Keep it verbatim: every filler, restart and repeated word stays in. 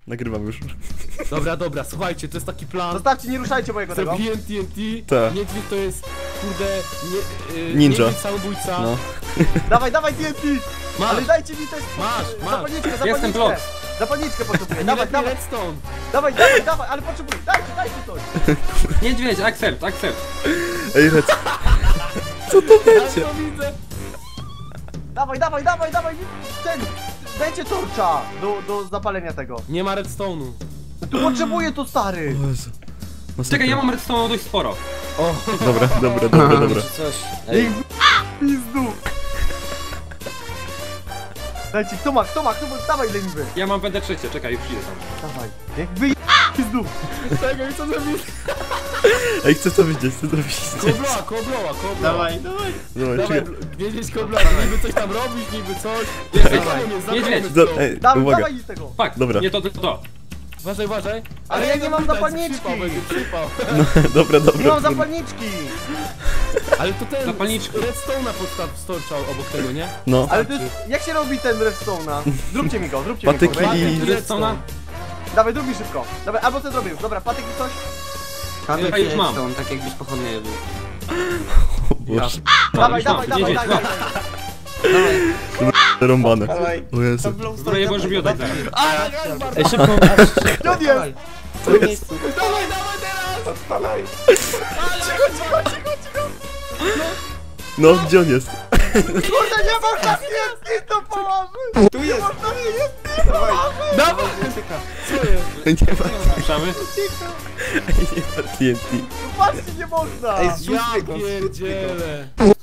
Nagrywam już. Dobra, dobra, słuchajcie, to jest taki plan. Zostawcie, nie ruszajcie mojego tego. Zrobiłem T N T, Tak. niedźwiedź to jest, kurde, nie, yy, Ninja. niedźwiedź samobójca. No. Dawaj, dawaj T N T! Masz, Ale dajcie mi też... masz, masz. Zapalniczkę, Jestem zapalniczkę! blok. Zapalniczkę potrzebuję, Nie dawaj, lepiej dawaj, redstone. dawaj, dawaj, dawaj, ale potrzebuję, dajcie, dajcie coś! Niedźwiedź, accept, accept. Ej, Rec. Co to Ja będzie? to widzę. Dawaj, dawaj, dawaj, dawaj, ten, dajcie torcza do, do zapalenia tego. Nie ma redstone'u. Tu potrzebuję to, stary! O Jezu. Masakra. Czekaj, ja mam redstone dość sporo. O, Dobra, dobra, dobra, dobra. Coś. Niech w... pizdu! Dajcie, kto ma, kto ma, kto ma, dawaj leniwy! Ja mam W D trzy, czekaj, już idę tam. Dawaj, niech wy... pizdu! czekaj, co zrobić? Ej, chcę to widzieć, chcę to widzieć. Kobloa, kobloa, kobloa. Dawaj, dawaj! Dawaj, Dawaj, czekaj. niedźwiedź kobloa, niby coś tam robisz, niby coś. Jest, Ej, zapalony jest, niedźwiedź. zapalony Da, ej, Dawaj, uwaga. dawaj z tego! Fuck, Dobra. nie to, to, to. Uważaj, uważaj. Ale ja nie mam zapytać, zapalniczki. Przypał, będzie przypał. Dobra, dobra. Nie mam dobra. zapalniczki! Ale to ten Zapalniczki. redstone'a podstaw storczał obok tego, nie? No. Ale to jest, jak się robi ten redstone'a? Zróbcie mi go, zróbcie mi Patyki go. i- Patyki, redstone'a. Dawaj, zrób mi szybko. Dawaj, albo co zrobię już, dobra, patyk i coś? Ja już mam. Są, tak jakbyś pochodnie był. O Boże. Dawaj, już mam, dawaj, dawaj, niedźwiedź, dawaj, dawaj. dawaj. Rąbane. O Jezu. Dobra, je możesz mi oddać zaraz. Ej, szybko, Gdzie on jest? w tym miejscu. Dawaj, dawaj teraz! Odpalaj. No, gdzie on jest? Kurde, nie można nic to położyć! Tu jest. Można mi nic nie położyć! Dawaj! Co jest? Nie ma, Ruszamy? ej, nie ma T N T. No patrzcie, nie można! Ej, Ja zrzućmy go, zrzućmy go. pierdzielę.